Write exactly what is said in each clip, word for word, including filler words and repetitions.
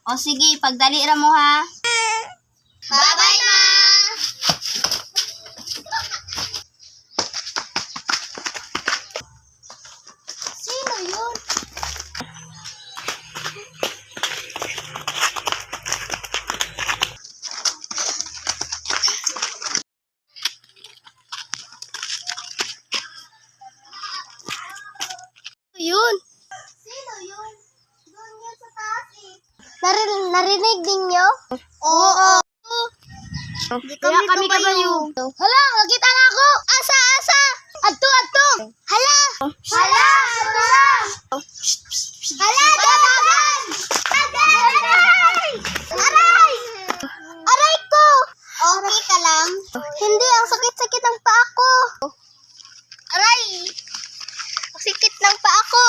O sige, pagdali ra mo ha. Bye-bye, ma! Sino yun? Yun. Sino yun? Doon yun sa taas eh. Narin narinig ninyo? Oo. Di kami, kami kabayo. Hala, nakita na ako. Asa, asa. Adto, adto. Hala. Hala! Hala! Hala! Dagan! Dagan! Aray! Aray! Aray ko. Okay ka lang? Hindi, ang sakit-sakit ng paa ko. Aray! Ang sakit ng paa ko.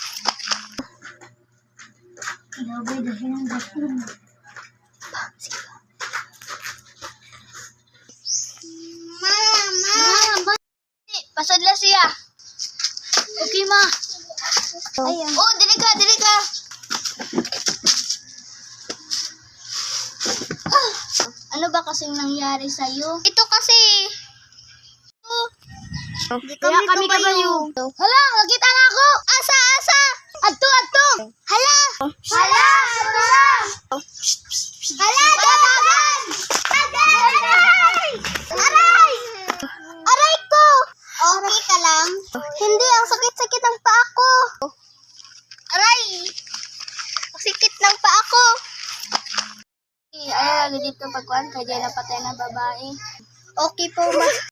Mama! Pasadla siya. Okay, ma. Ayan. Oh, dili ka, dili ka. Ano ba kasing nangyari sa'yo? Ito kasi. Di kami kabayo. Hala, nakita na ako. Asa, asa. Adto, adto. Hala. Hala! Hala! Hala! Dagan! Dagan! Aray! Aray! Aray ko. Okay ka lang? Hindi, ang sakit-sakit ng paa ko. Aray! Ang sakit ng paa ko. Ay, lagi dito pagkuhan kaya napatay na babae. Okay po, ma.